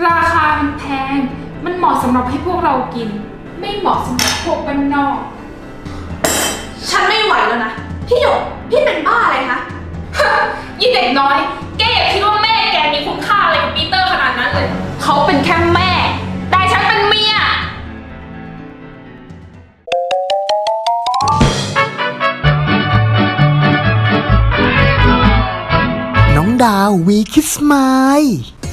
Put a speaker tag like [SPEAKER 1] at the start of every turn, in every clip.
[SPEAKER 1] ราคามันแพงมันเหมาะสำหรับให้พวกเรากินไม่เหมาะสำหรับพวกบ้านนอก
[SPEAKER 2] ฉันไม่ไหวแล้วนะพี่หยกพี่เป็นบ้าอะไรคะ
[SPEAKER 1] ยี่เด็กน้อยแกอย่าคิดว่าแม่แกมีคุณค่าอะไรกับปีเตอร์ขนาดนั้นเลยเขาเป็นแค่แม่แต่ฉันเป็นเมีย
[SPEAKER 3] น้องดาววีคิสมาย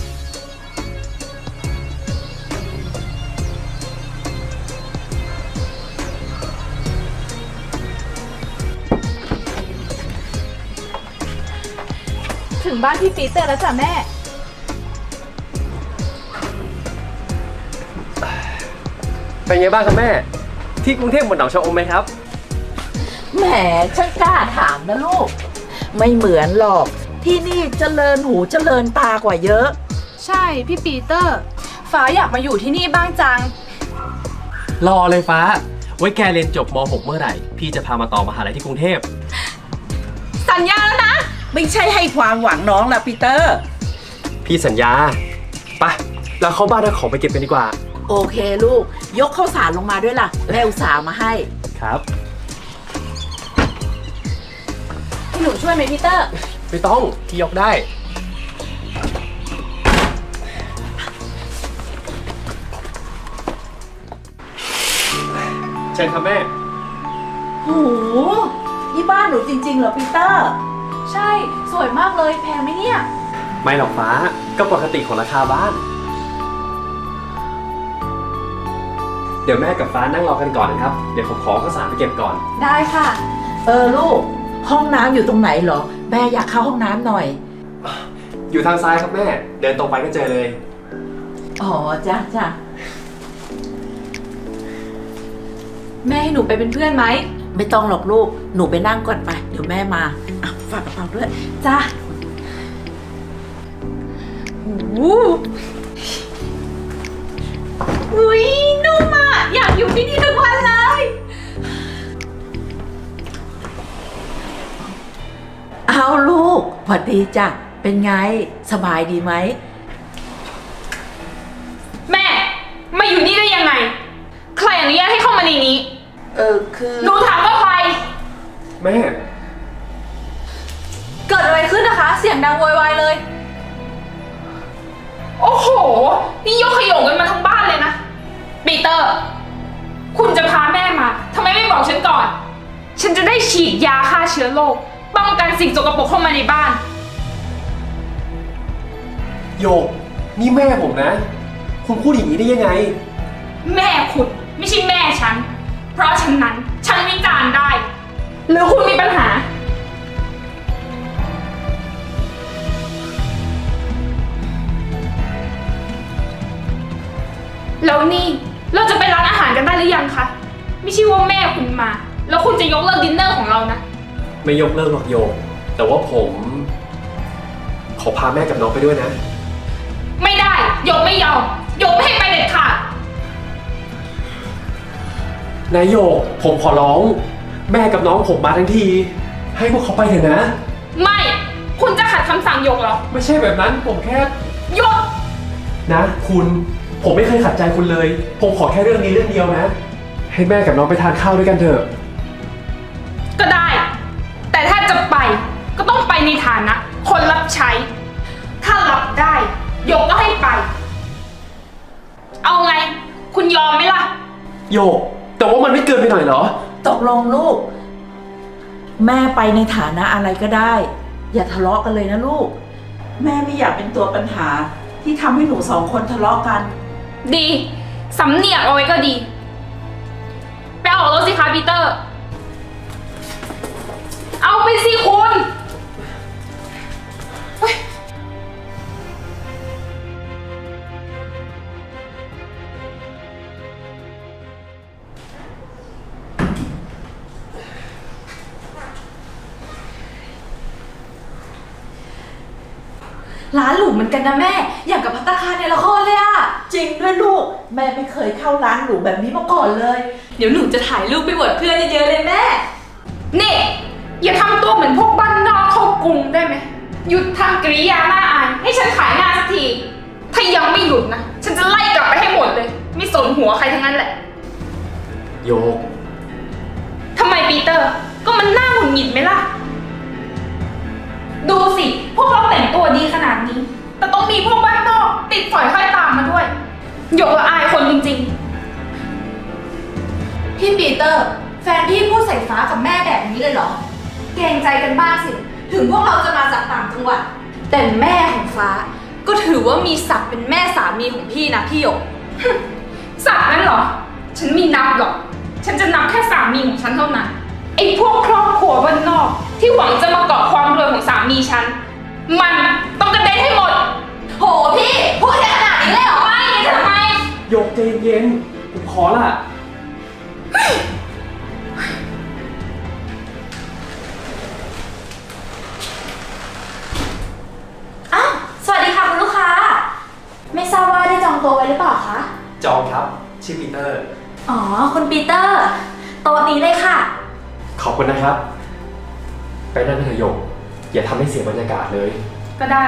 [SPEAKER 2] ถึงบ้านพี่ปีเตอร์แล้วจ้ะแม่
[SPEAKER 4] เป็นไงบ้างครับแม่ที่กรุงเทพเหมือนหนองชะอมไหมครับ
[SPEAKER 5] แหมช่างกล้าถามนะลูกไม่เหมือนหรอกที่นี่เจริญหูเจริญตากว่าเยอะ
[SPEAKER 2] ใช่พี่ปีเตอร์ฟ้าอยากมาอยู่ที่นี่บ้างจัง
[SPEAKER 4] รอเลยฟ้าไว้แกเรียนจบม .6 เมื่อไหร่พี่จะพามาต่อมหาลัยที่กรุงเทพ
[SPEAKER 2] สัญญาแล้วนะ
[SPEAKER 5] ไม่ใช่ให้ความหวังน้องละปีเตอร์
[SPEAKER 4] พี่สัญญาไปเราเข้าบ้านเอาของไปเก็บกันดีกว่า
[SPEAKER 5] โอเคลูกยกข้าวสารลงมาด้วยล่ะแม่อุตส่าห์มาให้
[SPEAKER 4] ครับ
[SPEAKER 2] หนูช่วยไหมพีเตอร์
[SPEAKER 4] ไม่ต้องพี่ยกได้เชิญครับแม่
[SPEAKER 5] โหนี่บ้านหนูจริงๆเหรอปีเตอร์
[SPEAKER 2] ใช่สวยมากเลยแพงไหมเนี่ย
[SPEAKER 4] ไม่หรอกฟ้าก็ปกติของราคาบ้านเดี๋ยวแม่กับฟ้านั่งรอกันก่อนนะครับเดี๋ยวผมขอข้าวสารไปเก็บก่อน
[SPEAKER 2] ได้ค่ะ
[SPEAKER 5] ลูกห้องน้ำอยู่ตรงไหนเหรอแม่อยากเข้าห้องน้ำหน่อย
[SPEAKER 4] อยู่ทางซ้ายครับแม่เดินตรงไปก็เจอเลย
[SPEAKER 5] อ๋อจ้ะ
[SPEAKER 2] แม่ให้หนูไปเป็นเพื่อนไหม
[SPEAKER 5] ไม่ต้องหรอกลูกหนูไปนั่งก่อนไปเดี๋ยวแม่มาฝากกระเป๋าด้วย
[SPEAKER 2] จ้ะอุ้ยนุ่มอ่ะอยากอยู่ที่นี่ทุกวันเลย
[SPEAKER 5] เอาลูกสวัสดีจ้ะเป็นไงสบายดีไหม
[SPEAKER 1] แม่มาอยู่นี่ได้ยังไงใครอนุญาตให้เข้ามาในนี้
[SPEAKER 5] คือ
[SPEAKER 1] หนูถามว่าใคร
[SPEAKER 4] แม่
[SPEAKER 2] เกิดอะไรขึ้นนะคะเสียงดังโวยวายเลย
[SPEAKER 1] โอ้โหนี่ยกขยงกันมาทั้งบ้านเลยนะปีเตอร์คุณจะพาแม่มาทำไมไม่บอกฉันก่อนฉันจะได้ฉีดยาฆ่าเชื้อโรคป้องกันสิ่งสกปรกเข้ามาในบ้าน
[SPEAKER 4] โยกนี่แม่ผมนะคุณพูดอย่างนี้ได้ยังไง
[SPEAKER 1] แม่คุณไม่ใช่แม่ฉันเพราะฉะนั้นฉันวิจารณ์ได้หรือคุณมีปัญหาแล้วนี่เราจะไปร้านอาหารกันได้หรือยังคะไม่ใช่ว่าแม่คุณมาแล้วคุณจะยกเลิกดินเนอร์ของเรานะ
[SPEAKER 4] ไม่ยกเลิกหรอกโยกแต่ว่าผมขอพาแม่กับน้องไปด้วยนะ
[SPEAKER 1] ไม่ได้ยกไม่ยอมยกไม่ให้ไปเด็ดขาด
[SPEAKER 4] นายโยกผมขอร้องแม่กับน้องผมมาทั้งทีให้พวกเขาไปเถอะนะ
[SPEAKER 1] ไม่คุณจะขัดคำสั่งยกเหรอ
[SPEAKER 4] ไม่ใช่แบบนั้นผมแค่
[SPEAKER 1] ยก
[SPEAKER 4] นะคุณผมไม่เคยขัดใจคุณเลยผมขอแค่เรื่องนี้เรื่องเดียวนะให้แม่กับน้องไปทานข้าวด้วยกันเถอะ
[SPEAKER 1] ก็ได้แต่ถ้าจะไปก็ต้องไปในฐานะคนรับใช้ถ้ารับได้ยกก็ให้ไปเอาไงคุณยอมไหมล่ะ
[SPEAKER 4] โยกแต่ว่ามันไม่เกินไปหน่อยเหรอ
[SPEAKER 5] ตกลงลูกแม่ไปในฐานะอะไรก็ได้อย่าทะเลาะกันเลยนะลูกแม่ไม่อยากเป็นตัวปัญหาที่ทำให้หนูสองคนทะเลาะกัน
[SPEAKER 1] ดีสำเนียกเอาไว้ก็ดีไปออกรถสิคะปีเตอร์เอาไปสิคุณ
[SPEAKER 2] ร้านหรูเหมือนกันนะแม่อย่างกับภัตตาคารในละครเลยอะ
[SPEAKER 5] จริงด้วยลูกแม่ไม่เคยเข้าร้านหรูแบบนี้มาก่อนเลย
[SPEAKER 2] เดี๋ยวหนูจะถ่ายรูปไปอวดเพื่อนเยอะๆเลยแม่
[SPEAKER 1] นี่อย่าทำตัวเหมือนพวกบ้านนอกเข้ากรุงได้ไหมหยุดทำกริยาหน้าอายให้ฉันขายหน้าสักทีทถ้ายังไม่หยุดนะ ฉันจะไล่กลับไปให้หมดเลย ไม่สนหัวใครทั้งนั้นแหละ
[SPEAKER 4] โยก
[SPEAKER 1] ทำไมปีเตอร์ ก็มันน่าหงุดหงิดไหมล่ะ ดูสิ พวกเราแต่งตัวดีขนาดนี้ แต่ต้องมีพวกบ้านนอกติดฝอยห้อยตามมาด้วยหยกละอายคนจริง
[SPEAKER 2] พี่ปีเตอร์ แฟนพี่พูดใส่ฟ้ากับแม่แบบนี้เลยเหรอ เกรงใจกันบ้างสิ ถึงพวกเราจะมาจากต่างจังหวัด แต่แม่ของฟ้า ก็ถือว่ามีศักดิ์เป็นแม่สามีของพี่นะพี่หยก
[SPEAKER 1] ๆสักนั้นเหรอ ฉันไม่นับหรอก ฉันจะนับแค่สามีของฉันเท่านั้น ไอ้พวกครอบครัวบ้านนอก ที่หวังจะมาเกาะความรวยของสามีฉัน มันต้องกระเด็นให้หมด
[SPEAKER 2] โหพี่ พูดได้ขนาดนี้เลยเหรอ
[SPEAKER 1] ไม่งั้นจะทำไม
[SPEAKER 4] โยกใจเย็นๆผมขอละ
[SPEAKER 2] อ้าวสวัสดีค่ะคุณลูกค้า ไม่ทราบว่าได้จองโต๊ะไว้หรือเปล่าคะ
[SPEAKER 4] จองครับ ชื่อปีเตอร์
[SPEAKER 2] อ๋อ คุณปีเตอร์ โต๊ะนี้เลยค่ะ
[SPEAKER 4] ขอบคุณนะครับ ไปนั่งเถอะโยก อย่าทำให้เสียบรรยากาศเลย
[SPEAKER 1] ก็ได้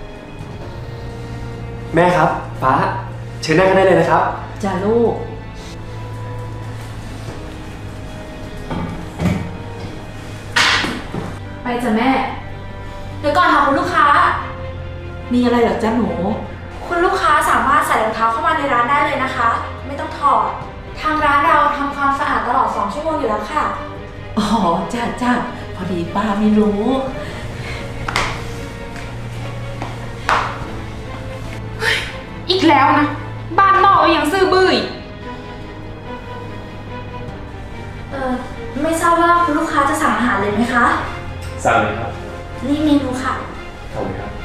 [SPEAKER 4] แม่ครับ ฟ้า เชิญนั่งกันได้เลยนะครับ
[SPEAKER 5] จ้าลูก
[SPEAKER 2] ไปจ้ะแม่ เดี๋ยวก่อนค่ะคุณลูกค้า
[SPEAKER 5] มีอะไรเหรอจ้าหนู
[SPEAKER 2] คุณลูกค้าสามารถใส่รองเท้าเข้ามาในร้านได้เลยนะคะ ไม่ต้องถอด ทางร้านเราทำความสะอาดตลอด2 ชั่วโมงอยู่แล้วค่ะ
[SPEAKER 5] อ๋อจ้าจ้าพอดีป้าไม่รู้
[SPEAKER 1] อีกแล้วนะ บ้านนอกก็ยังซื่อบื้ออีก
[SPEAKER 2] ไม่ทราบว่าคุณลูกค้าจะสั่งอาหารเลยไหมคะ
[SPEAKER 4] สั่งเลยครับ
[SPEAKER 2] นี่เมนูค่ะ
[SPEAKER 4] เอาเลยครับ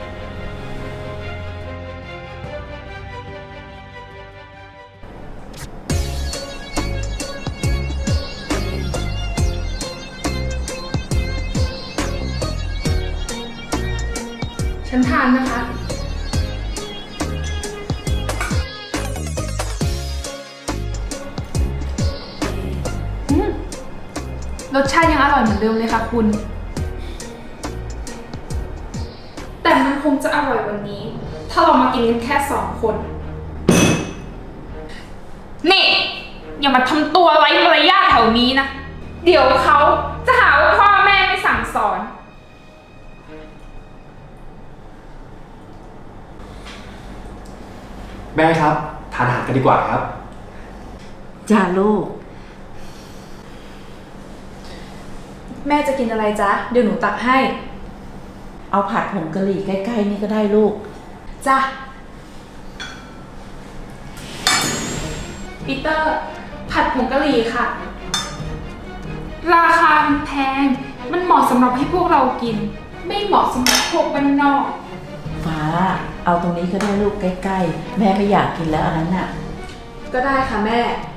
[SPEAKER 1] ฉันทานนะคะ รสชาติยังอร่อยเหมือนเดิมเลยค่ะคุณ แต่มันคงจะอร่อยวันนี้ ถ้าเรามากินกันแค่2 คน นี่ อย่ามาทำตัวไร้มารยาทแถวนี้นะ เดี๋ยวเขาจะหาว่าพ่อแม่ไม่สั่งสอน
[SPEAKER 4] แม่ครับ ทานอาหารกันดีกว่าครับ
[SPEAKER 5] จ้าลูก
[SPEAKER 2] แม่จะกินอะไรจ๊ะ เดี๋ยวหนูตักให้
[SPEAKER 5] เอาผัดผงกะหรี่ใกล้ๆนี่ก็ได้ลูก
[SPEAKER 2] จ้ะ
[SPEAKER 1] ปีเตอร์ ผัดผงกะหรี่ค่ะ ราคามันแพง มันเหมาะสำหรับให้พวกเรากิน ไม่เหมาะสำหรับพวกบ้านนอก
[SPEAKER 5] ฟ้า เอาตรงนี้ก็ได้ลูกใกล้ๆ แม่ไม่อยากกินแล้วอันนั้นน่ะ
[SPEAKER 2] ก็ได้ค่ะแม่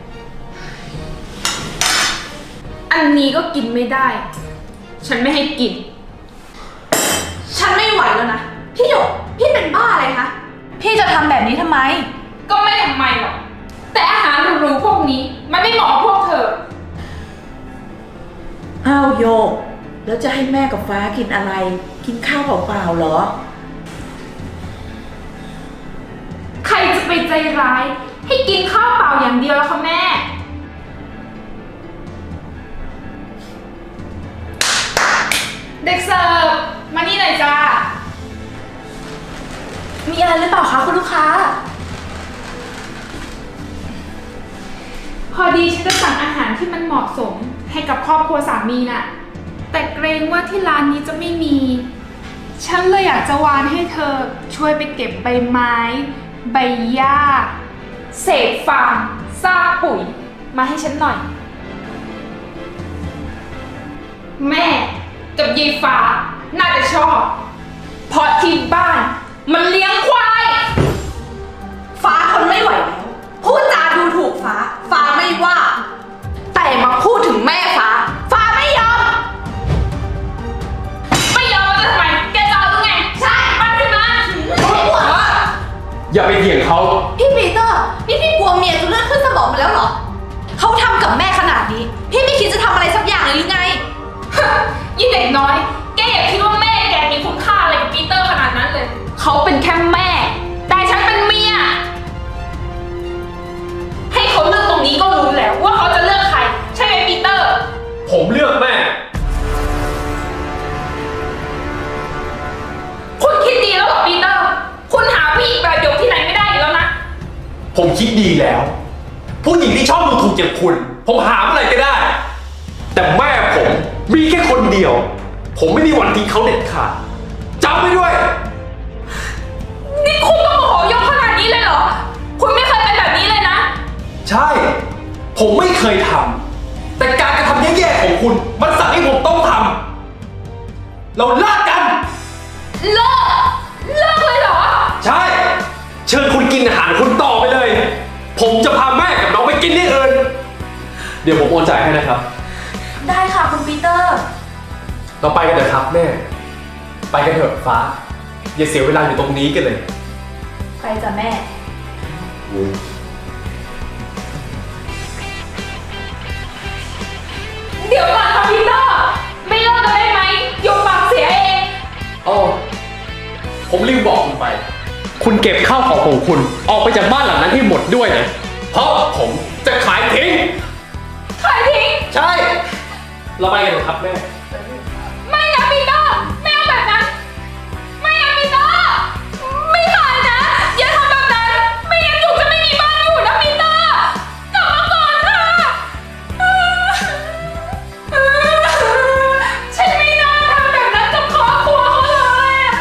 [SPEAKER 1] อันนี้ก็กินไม่ได้ ฉันไม่ให้กิน
[SPEAKER 2] ฉันไม่ไหวแล้วนะ พี่หยก พี่เป็นบ้าอะไรคะ พี่จะทำแบบนี้ทำไม
[SPEAKER 1] ก็ไม่ทำไมหรอก แต่อาหารหรูๆพวกนี้ มันไม่เหมาะกับพวกเธอ
[SPEAKER 5] อ้าวโยก แล้วจะให้แม่กับฟ้ากินอะไร กินข้าวเปล่าๆเหรอ
[SPEAKER 1] ใครจะไปใจร้าย ให้กินข้าวเปล่าอย่างเดียวแล้วคะแม่ เด็กเสิร์ฟ มานี่หน่อยจ้า
[SPEAKER 2] มีอะไรหรือเปล่าคะคุณลูกค้า
[SPEAKER 1] พอดีฉันจะสั่งอาหารที่มันเหมาะสมให้กับครอบครัวสามีน่ะ แต่เกรงว่าที่ร้านนี้จะไม่มี ฉันเลยอยากจะวานให้เธอช่วยไปเก็บใบไม้ ใบหญ้า เศษฟางซากปุ๋ย มาให้ฉันหน่อย แม่กับยายฟ้าน่าจะชอบ เพราะที่บ้านมันเลี้ยงควาย
[SPEAKER 2] ฟ้าทนไม่ไหวแล้ว พูดจาดูถูกฟ้า ฟ้าไม่ว่า แต่มาพูดถึงแม่ฟ้า ฟ้าไม่ยอม
[SPEAKER 1] ไม่ยอมแล้วจะทำไม แกจะเอาหรือไง ใช่มาสิมา
[SPEAKER 4] อย่าไปเถียงเขา
[SPEAKER 2] พี่ปีเตอร์ นี่พี่กลัวเมียจะเลือดขึ้นสมองไปแล้วเหรอ เขาทำกับแม่ขนาดนี้ พี่ไม่คิดจะทำอะไรสักอย่างเลยหรือไง
[SPEAKER 1] ยิ่งเด็กน้อย แกอย่าคิดว่าแม่แกมีคุณค่าอะไรกับปีเตอร์ขนาดนั้นเลย เขาเป็นแค่แม่ แต่ฉันเป็น
[SPEAKER 4] ผมคิดดีแล้ว ผู้หญิงที่ชอบดูถูกอย่างคุณ ผมหาเมื่อไหร่ก็ได้ แต่แม่ผมมีแค่คนเดียว ผมไม่มีวันทิ้งเขาเด็ดขาดจำไว้ด้วย
[SPEAKER 1] นี่คุณต้องโมโหยกขนาดนี้เลยเหรอ คุณไม่เคยเป็นแบบนี้เลยนะ
[SPEAKER 4] ใช่ ผมไม่เคยทำแต่การกระทำแย่ๆของคุณ มันสั่งให้ผมต้องทำเราเลิกกัน
[SPEAKER 1] เลิกเลยเหรอ
[SPEAKER 4] ใช่ เชิญคุณกินอาหารคุณต่อไปเลย ผมจะพาแม่กับน้องไปกินที่อื่น เดี๋ยวผมโอนจ่ายให้นะครับ
[SPEAKER 2] ได้ค่ะคุณปีเตอร์
[SPEAKER 4] เราไปกันเถอะครับแม่ ไปกันเถอะฟ้า อย่าเสียเวลาอยู่ตรงนี้กันเลย
[SPEAKER 2] ไปจ้ะแม่
[SPEAKER 1] เดี๋ยวก่อนค่ะพีเตอร์ ไม่เลิกกันได้ไหมยกปากเสียเอง
[SPEAKER 4] อ๋อ ผมลืมบอกคุณไป คุณเก็บข้าวของคุณออกไปจากบ้านหลังนั้นให้หมดด้วยนะ เพราะผมจะขายทิ้ง
[SPEAKER 1] ขายทิ้ง
[SPEAKER 4] ใช่ เราไปกันเถอะครับแม่
[SPEAKER 1] ไม่นะพีเตอร์ไม่เอาแบบนั้น ไม่นะพีเตอร์ ไม่ขายนะ อย่าทำแบบนั้น ไม่งั้นหนูจะไม่มีบ้านอยู่นะพีเตอร์กลับมาก่อนค่ะฉันไม่น่าทำแบบนั้นกับครอบครัวเขาเลยอะ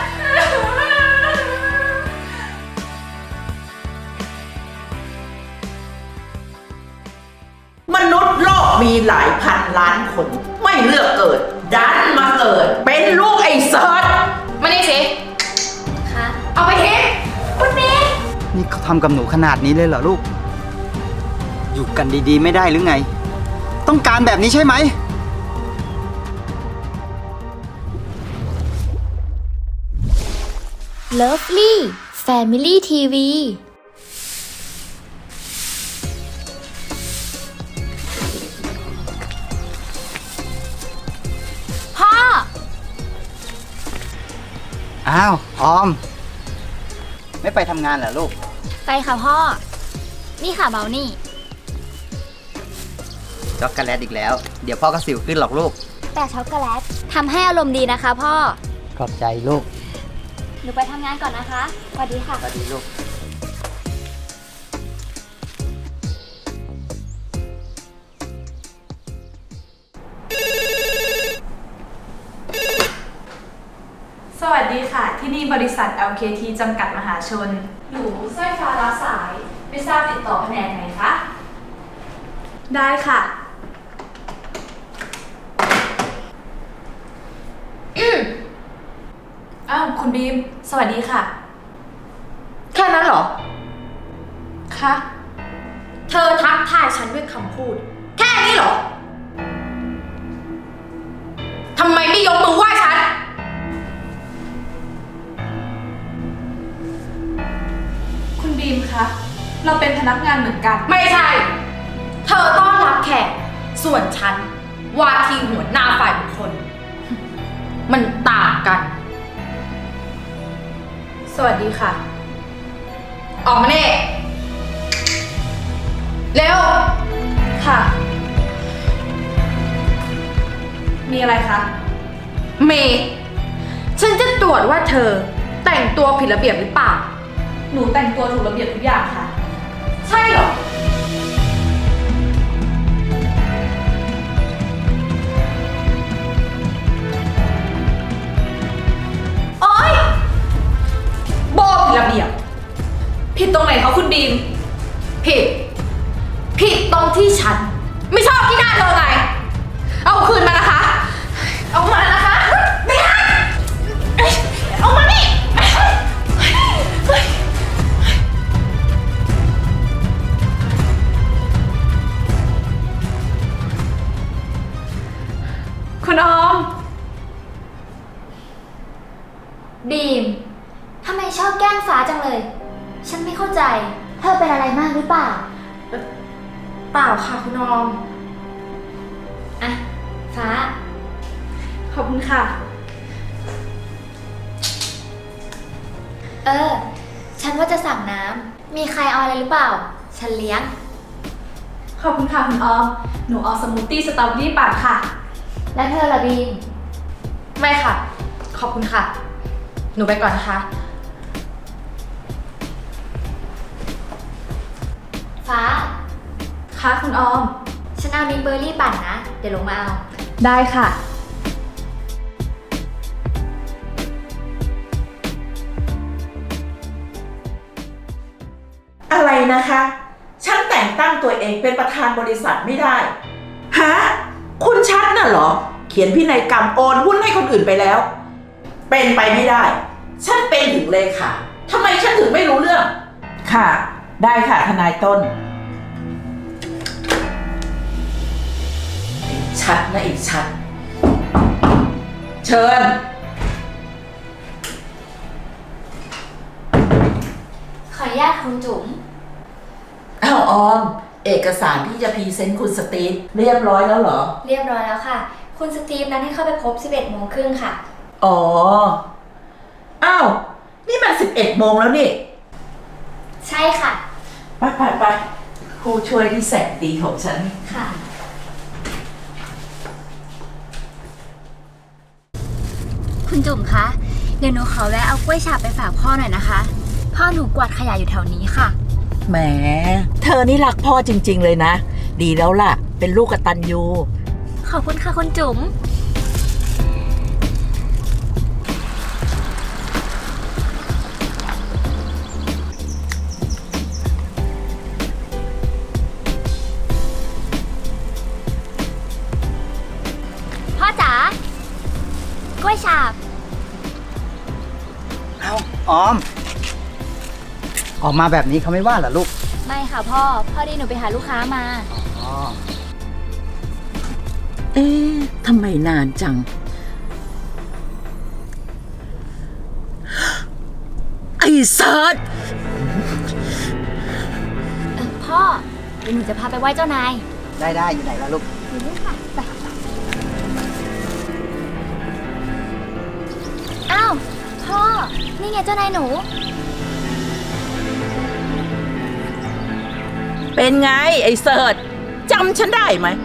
[SPEAKER 5] มนุษย์โลกมีหลายพันล้านคน ไม่เลือกเกิด ดันมาเกิด เป็นลูกไอ้เซิร์ช
[SPEAKER 1] มานี่สิค่ะเอาไปทิ้งคุณนี่
[SPEAKER 6] นี่เขาทำกับหนูขนาดนี้เลยเหรอลูก อยู่กันดีๆไม่ได้หรือไง ต้องการแบบนี้ใช่ไหม
[SPEAKER 7] Lovely Family TV
[SPEAKER 1] พ่อ
[SPEAKER 6] อ้าว ออม ไม่ไปทำงานเหรอลูก
[SPEAKER 7] ไปค่ะพ่อ นี่ค่ะเบลนี่
[SPEAKER 6] ช็อกโกแลตอีกแล้ว เดี๋ยวพ่อก็สิวขึ้นหรอกลูก
[SPEAKER 7] แต่ช็อกโกแลตทำให้อารมณ์ดีนะคะพ่อ
[SPEAKER 6] ขอบใจลูก
[SPEAKER 7] หนูไปทำงานก่อนนะคะสวัสดีค่ะ
[SPEAKER 6] สวัสดีลูก
[SPEAKER 2] สวัสดีค่ะ ที่นี่บริษัท LKT จำกัดมหาชน หนูสร้อยฟ้ารับสาย ไม่ทราบติดต่อแผนกไหนคะ ได้ค่ะ อ้าว คุณบีม สวัสดีค่ะ
[SPEAKER 8] แค่นั้นเหรอ
[SPEAKER 2] ค่ะ
[SPEAKER 8] เธอทักทายฉันด้วยคำพูด แค่นี้เหรอ ทำไมไม่ยกมือไหว้ฉัน
[SPEAKER 2] คุณบีมคะ เราเป็นพนักงานเหมือนกัน
[SPEAKER 8] ไม่ใช่ เธอต้อนรับแขก ส่วนฉัน ว่าที่หัวหน้าฝ่ายบุคคล มันต่างกัน
[SPEAKER 2] สวัสดีค่ะ
[SPEAKER 8] ออกมาเน่เร็ว
[SPEAKER 2] ค่ะ มีอะไรคะ
[SPEAKER 8] เมย์ฉันจะตรวจว่าเธอแต่งตัวผิดระเบียบหรือเปล่า
[SPEAKER 2] หนูแต่งตัวถูกระเบียบทุกอย่างค่ะ
[SPEAKER 8] ใช่เหรอ โอ๊ยโบผิดระเบียบ
[SPEAKER 2] ผิดตรงไหนคะคุณบีม
[SPEAKER 8] ผิด ผิดตรงที่ฉัน ไม่ชอบที่หน้าเธอไง เอาคืนมานะคะ เอามานะคะ ไม่ได้เอามานี่
[SPEAKER 2] คุณออม
[SPEAKER 7] บีม ทำไมชอบแกล้งฟ้าจังเลย ฉันไม่เข้าใจ เธอเป็นอะไรมากหรือเปล่า
[SPEAKER 8] เปล่าค่ะคุณออม
[SPEAKER 7] อ่ะ ฟ้า
[SPEAKER 2] ขอบคุณค่ะ
[SPEAKER 7] ฉันว่าจะสั่งน้ำ มีใครเอาอะไรหรือเปล่า ฉันเลี้ยง
[SPEAKER 2] ขอบคุณค่ะคุณออม หนูเอาสมูทตี้สตรอเบอรี่ปั่นค่ะ
[SPEAKER 7] แล้วเธอล่ะบีม
[SPEAKER 8] ไม่ค่ะ ขอบคุณค่ะ หนูไปก่อนนะคะ
[SPEAKER 2] ค่ะคุณออม
[SPEAKER 7] ฉันเอามินเบอร์รี่ปั่นนะ เดี๋ยวลงมาเอา
[SPEAKER 2] ได้ค่ะ
[SPEAKER 5] อะไรนะคะ ฉันแต่งตั้งตัวเองเป็นประธานบริษัทไม่ได้ ฮะ คุณชัดน่ะเหรอ เขียนพินัยกรรมโอนหุ้นให้คนอื่นไปแล้ว เป็นไปไม่ได้ ฉันเป็นถึงเลขาทำไมฉันถึงไม่รู้เรื่อง ค่ะ ได้ค่ะทนายต้น ชัดนะอีกชัด เชิญ
[SPEAKER 7] ขออนุญาตคุณจุ๋ม
[SPEAKER 5] อ้าวออม เอกสารที่จะพรีเซนต์คุณสตีฟเรียบร้อยแล้วเหรอ
[SPEAKER 7] เรียบร้อยแล้วค่ะ คุณสตีฟนัดให้เข้าไปพบ 11:30 ค่ะ
[SPEAKER 5] อ๋อ อ้าว นี่มัน11 โมงแล้วนี่
[SPEAKER 7] ใช่ค่ะ
[SPEAKER 5] ไปผู้ช่วยที่แสนดีของฉัน
[SPEAKER 7] ค่ะ คุณจุ๋มคะ เดี๋ยวหนูขอแวะเอากล้วยฉาบไปฝากพ่อหน่อยนะคะ พ่อหนูกวาดขยะอยู่แถวนี้ค่ะ
[SPEAKER 5] แหม เธอนี่รักพ่อจริง ๆ เลยนะ ดีแล้วล่ะ เป็นลูกกตัญญู
[SPEAKER 7] ขอบคุณค่ะคุณจุ๋ม พ่อจ๋ากล้วยฉาบ
[SPEAKER 6] เอาออม ออกมาแบบนี้เขาไม่ว่าเหรอลูก
[SPEAKER 7] ไม่ค่ะพ่อ พอดีหนูไปหาลูกค้ามา
[SPEAKER 6] อ๋อ
[SPEAKER 5] เอ๊ะทำไมนานจัง ไอ้เซิร์ช
[SPEAKER 7] พ่อ เดี๋ยวหนูจะพาไปไหว้เจ้านาย
[SPEAKER 6] ได้อยู่ไหนล่ะลูก
[SPEAKER 7] อยู่นี่ค่ะไปอ้าว พ่อ นี่ไงเจ้านายหนู
[SPEAKER 5] เป็นไง ไอ้เซิร์ชจำฉันได้ไหม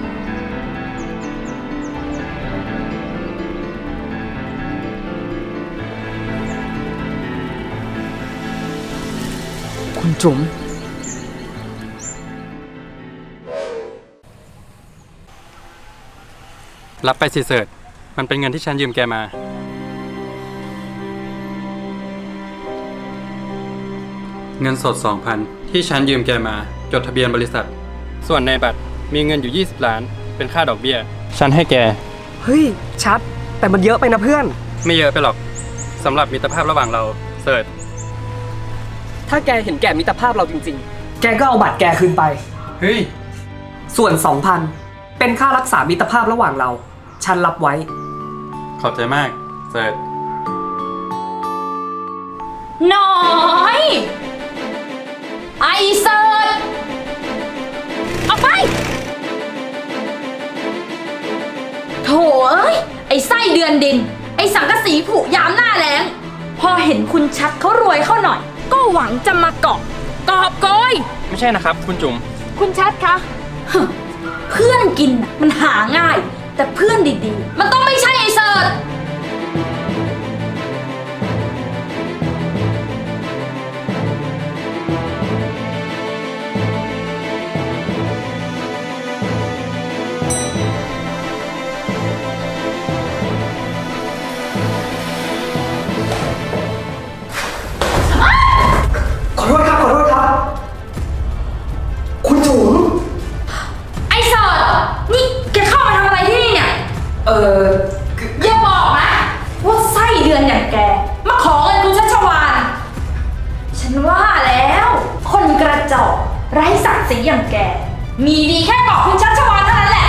[SPEAKER 6] คุณจุ๋ม
[SPEAKER 9] รับไปสิเสิร์ชมันเป็นเงินที่ฉันยืมแกมา เงินสด 2,000 ที่ฉันยืมแกมา จดทะเบียนบริษัท ส่วนในบัตรมีเงินอยู่ 20 ล้าน เป็นค่าดอกเบี้ย ฉันให้แก
[SPEAKER 10] เฮ้ย ชัด แต่มันเยอะไปนะเพื่อน
[SPEAKER 9] ไม่เยอะไปหรอกสำหรับมิตรภาพระหว่างเราเสิร์ช
[SPEAKER 10] ถ้าแกเห็นแก่มิตรภาพเราจริงๆ แกก็เอาบัตรแกคืนไป
[SPEAKER 9] เฮ้ย
[SPEAKER 10] ส่วน 2,000 เป็นค่ารักษามิตรภาพระหว่างเรา ฉันรับไว้
[SPEAKER 9] ขอบใจมากเสิร์ช
[SPEAKER 1] น้อย ไอเซิร์ชออกไปโถเอ้ย ไอไส้เดือนดิน ไอสังกะสีผุยามหน้าแล้ง พอเห็นคุณชัดเขารวยเข้าหน่อย ก็หวังจะมาเกาะกอบโกย
[SPEAKER 9] ไม่ใช่นะครับ คุณจุ๋ม
[SPEAKER 1] คุณชัดคะ เพื่อนกินน่ะมันหาง่าย แต่เพื่อนดีๆ มันต้องไม่ใช่ไอเซิร์ช
[SPEAKER 10] ขอโทษครับ ขอโทษครับ คุณจุ๋ม
[SPEAKER 1] ไอเซิร์ชนี่แกเข้ามาทำอะไรที่นี่เนี่ย อย่าบอกนะว่าไส้เดือนอย่างแก มาขอเงินคุณชัชวาน ฉันว่าแล้ว คนกระจอกไร้ศักดิ์ศรีอย่างแก มีดีแค่บอกคุณชัชวานเท่านั้นแหละ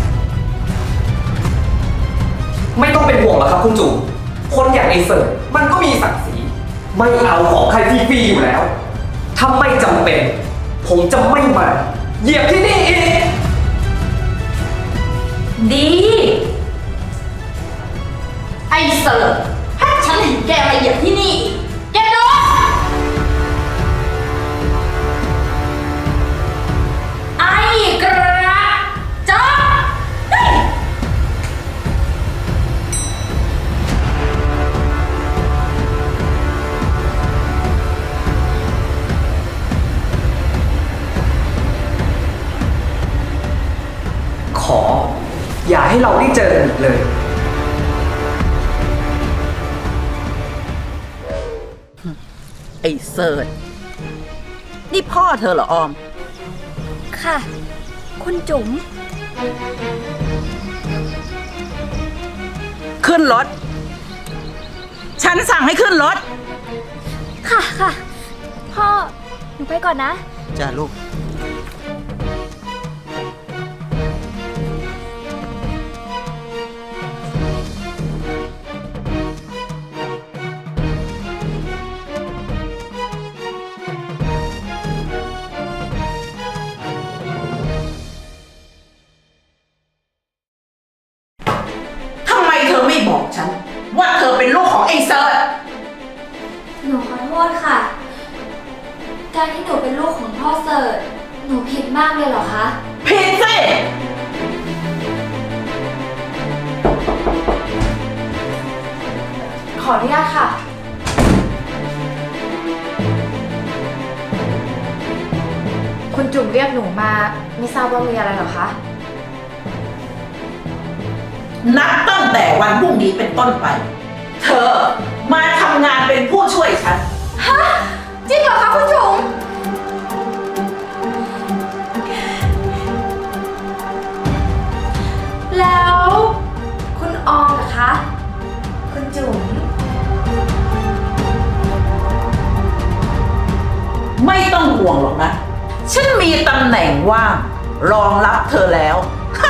[SPEAKER 10] ไม่ต้องเป็นห่วงหรอกครับคุณจุ๋ม คนอย่างไอ้เสิร์ฟมันก็มีศักดิ์ศรี ไม่เอาของใครฟรีๆอยู่แล้ว ถ้าไม่จำเป็น ผมจะไม่มาเหยียบที่นี่อีก
[SPEAKER 1] ดี ไอเสิร์ฟถ้าฉันเห็นแกมาเหยียบที่นี่อีกแกโดนไอกระจอกเฮ้ย
[SPEAKER 10] ให้เราได้เจอกันอีกเลย
[SPEAKER 5] ไอ้เสิร์ชนี่พ่อเธอเหรอออม
[SPEAKER 7] ค่ะ คุณจุ๋ม
[SPEAKER 5] ขึ้นรถ ฉันสั่งให้ขึ้นรถ
[SPEAKER 7] ค่ะค่ะ พ่อ หนูไปก่อนนะ
[SPEAKER 6] จ้าลูก
[SPEAKER 5] ทำไมเธอไม่บอกฉัน ว่าเธอเป็นลูกของไอ้เซิร์ช
[SPEAKER 7] หนูขอโทษค่ะ การที่หนูเป็นลูกของพ่อเสิร์ชหนูผิดมากเลยเหรอคะ
[SPEAKER 5] ผิดสิ
[SPEAKER 8] ขออนุญาตค่ะ คุณจุ๋มเรียกหนูมาไม่ทราบว่ามีอะไรเหรอคะ
[SPEAKER 5] นับตั้งแต่วันพรุ่งนี้เป็นต้นไป เธอมาทำงานเป็นผู้ช่วยฉัน
[SPEAKER 8] ฮะ จริงเหรอคะคุณจุ๋ม แล้วคุณออมเหรอคะ คุณจุ๋ม
[SPEAKER 5] ไม่ต้องห่วงหรอกนะ ฉันมีตำแหน่งว่างรองรับเธอแล้ว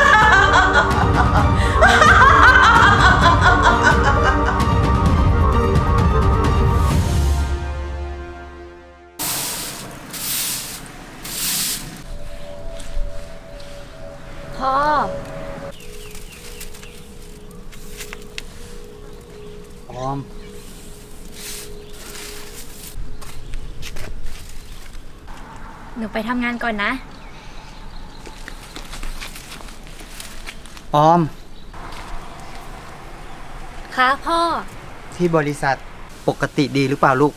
[SPEAKER 7] พ่อ
[SPEAKER 6] ออม
[SPEAKER 7] หนูไปทำงานก่อนนะ
[SPEAKER 6] ออม
[SPEAKER 7] ค่ะพ่อ
[SPEAKER 6] ที่บริษัทปกติดีหรือเปล่าลูก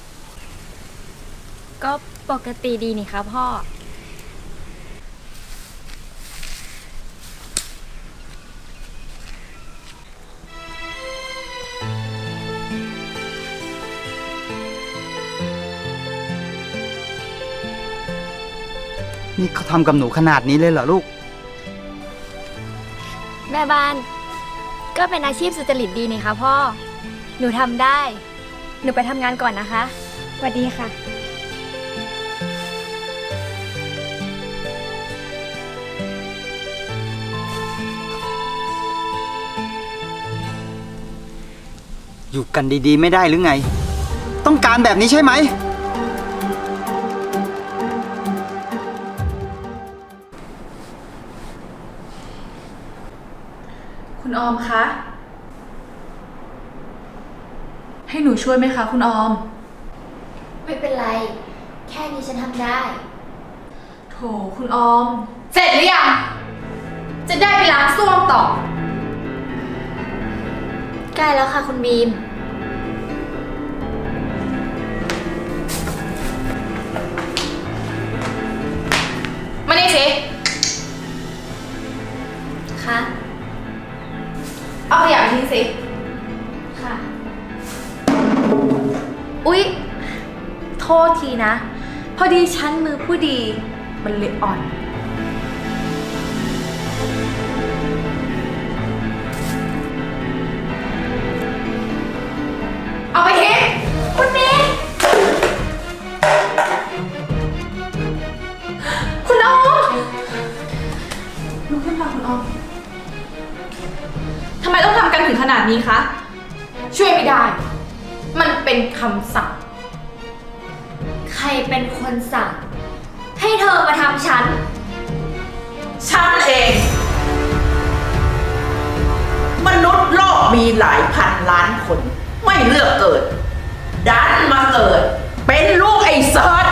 [SPEAKER 7] ก็ปกติดีนี่คะพ่อ
[SPEAKER 6] นี่เขาทำกับหนูขนาดนี้เลยเหรอลูก
[SPEAKER 7] แม่บ้าน ก็เป็นอาชีพสุจริตดีนี่คะพ่อ หนูทำได้ หนูไปทำงานก่อนนะคะสวัสดีค่ะ
[SPEAKER 6] อยู่กันดีๆไม่ได้หรือไง ต้องการแบบนี้ใช่ไหม
[SPEAKER 2] คุณออมคะ ให้หนูช่วยไหมคะคุณออม
[SPEAKER 7] ไม่เป็นไร แค่นี้ฉันทำได้
[SPEAKER 2] โถคุณออม
[SPEAKER 8] เสร็จหรือยัง จะได้ไปล้างส้วมต่อ
[SPEAKER 7] ใกล้แล้วค่ะคุณบีม
[SPEAKER 8] มานี่สิ
[SPEAKER 7] ค่ะ
[SPEAKER 8] เอาขยะไปทิ้งสิ
[SPEAKER 7] ค่ะ
[SPEAKER 2] อุ๊ย โทษทีนะ พอดีฉันมือผู้ดี มันเลยอ่อน
[SPEAKER 8] เอาไปทิ้ง
[SPEAKER 7] คุณบีม
[SPEAKER 8] คุณออม
[SPEAKER 2] ลุกขึ้นค่ะคุณออม ทำไมต้องทำกันถึงขนาดนี้คะ
[SPEAKER 8] ช่วยไม่ได้ มันเป็นคำสั่ง
[SPEAKER 7] ใครเป็นคนสั่ง ให้เธอมาทำฉัน
[SPEAKER 5] ฉันเอง มนุษย์โลกมีหลายพันล้านคน ไม่เลือกเกิด ดันมาเกิด เป็นลูกไอ้เซิร์ช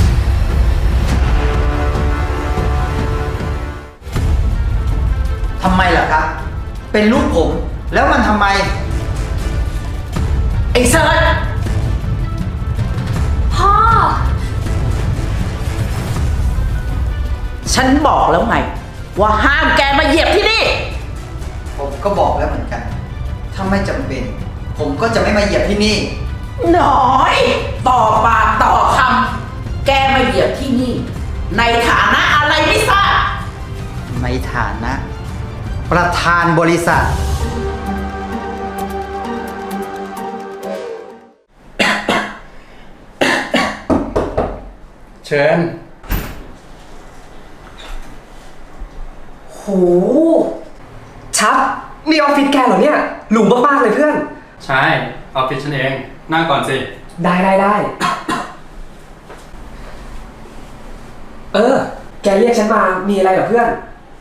[SPEAKER 6] ทำไมล่ะครับ เป็นลูกผม แล้วมันทำไม
[SPEAKER 5] ไอ้เซิร์ช
[SPEAKER 7] พ่อ
[SPEAKER 5] ฉันบอกแล้วไง ว่าห้ามแกมาเหยียบที่นี่
[SPEAKER 6] ก็บอกแล้วเหมือนกัน ถ้าไม่จำเป็น ผมก็จะไม่มาเหยียบที่นี่
[SPEAKER 5] น้อย ต่อปากต่อคำ แกมาเหยียบที่นี่ ในฐานะอะไรไม่ทราบ
[SPEAKER 6] ในฐานะ ประธานบริษัท
[SPEAKER 9] เชิญ
[SPEAKER 10] โห ชัดมีออฟฟิศแกเหรอเนี่ย หรูมากๆเลยเพื่อน
[SPEAKER 9] ใช่ ออฟฟิศฉันเอง นั่งก่อนสิ
[SPEAKER 10] ได้ แกเรียกฉันมา มีอะไรเหรอเพื่อน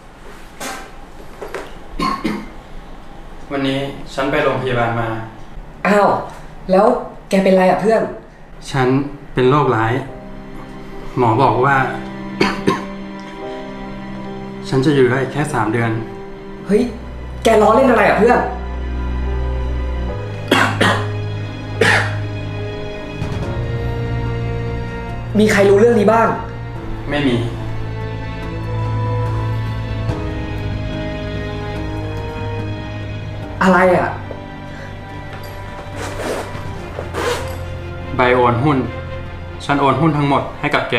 [SPEAKER 9] วันนี้ฉันไปโรงพยาบาลมา
[SPEAKER 10] อ้าว แล้วแกเป็นไรอ่ะเพื่อน
[SPEAKER 9] ฉันเป็นโรคร้าย หมอบอกว่า ฉันจะอยู่ได้แค่3 เดือน
[SPEAKER 10] เฮ้ย แกล้อเล่นอะไรอ่ะเพื่อน มีใครรู้เรื่องนี้บ้าง
[SPEAKER 9] ไม่มี
[SPEAKER 10] อะไรอ่ะ
[SPEAKER 9] ใบโอนหุ้น ฉันโอนหุ้นทั้งหมดให้กับแก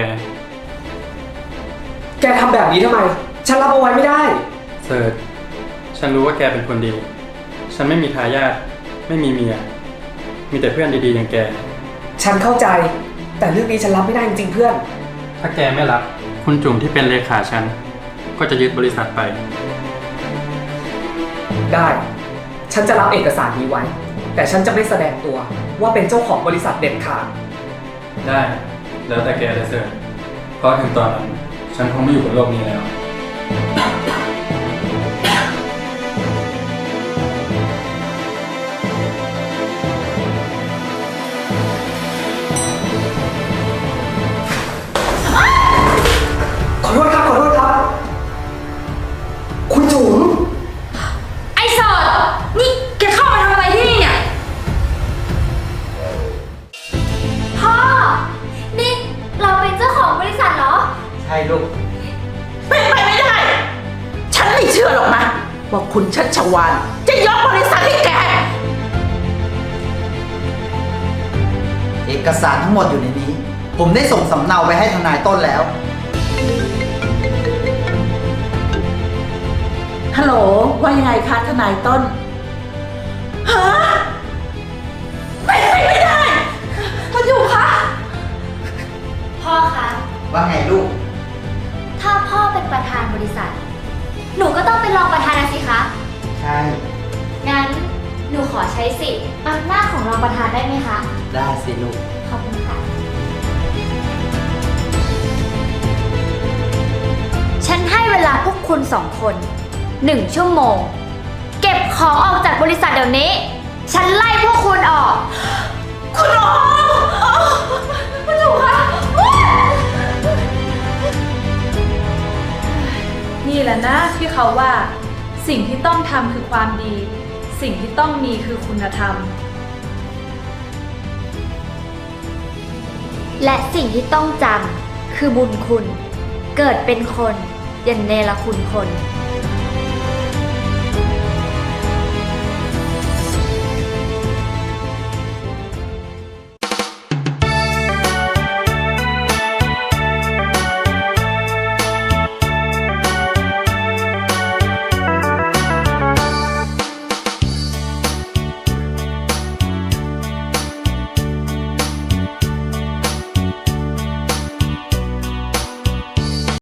[SPEAKER 10] แกทำแบบนี้ทำไม ฉันรับเอาไว้ไม่ได้
[SPEAKER 9] เสิร์ชฉันรู้ว่าแกเป็นคนดี ฉันไม่มีทายาท ไม่มีเมีย มีแต่เพื่อนดีๆอย่างแก
[SPEAKER 10] ฉันเข้าใจ แต่เรื่องนี้ฉันรับไม่ได้จริงๆเพื่อน
[SPEAKER 9] ถ้าแกไม่รับ คุณจุ๋มที่เป็นเลขาฉัน ก็จะยึดบริษัทไป
[SPEAKER 10] ได้ ฉันจะรับเอกสารนี้ไว้ แต่ฉันจะไม่แสดงตัวว่าเป็นเจ้าของบริษัทเด็ดขาด
[SPEAKER 9] ได้ แล้วแต่แกเลยเสิร์ชเพราะถึงตอนนั้น ฉันคงไม่อยู่บนโลกนี้แล้ว
[SPEAKER 10] ขอโทษครับ คุณจุ๋ม
[SPEAKER 8] ไอ้เสิร์ชนี่แกเข้ามาทำอะไรที่นี่เนี่ย
[SPEAKER 7] พ่อ นี่เราเป็นเจ้าของบริษัทเหรอ
[SPEAKER 6] ใช่ลูก
[SPEAKER 5] เป็นไปไม่ได้ ฉันไม่เชื่อหรอกนะ ว่าคุณชัชวาลจะยกบริษัทให้แก
[SPEAKER 6] เอกสารทั้งหมดอยู่ในนี้ ผมได้ส่งสำเนาไปให้ทนายต้นแล้ว
[SPEAKER 5] ฮัลโหล ว่ายังไงคะทนายต้น ฮะ เป็นไปไม่ได้
[SPEAKER 7] คุณอยู่คะ พ่อคะ
[SPEAKER 6] ว่าไงลูก
[SPEAKER 7] ถ้าพ่อเป็นประธานบริษัท หนูก็ต้องเป็นรองประธานนะสิคะ
[SPEAKER 6] ใช่
[SPEAKER 7] งั้นหนูขอใช้สิทธิ์อำนาจของรองประธานได้ไหมคะ
[SPEAKER 6] ได้สิลูก
[SPEAKER 7] ขอบคุณค่ะ ฉันให้เวลาพวกคุณ2 คน 1 ชั่วโมง เก็บของออกจากบริษัทเดี๋ยวนี้ ฉันไล่พวกคุณออก
[SPEAKER 8] คุณโอคุณจุ๋มคะ
[SPEAKER 2] นี่แหละนะที่เขาว่าสิ่งที่ต้องทำคือความดี สิ่งที่ต้องมีคือคุณธรรม
[SPEAKER 7] และสิ่งที่ต้องจำคือบุญคุณ เกิดเป็นคนอย่าเนรคุณคน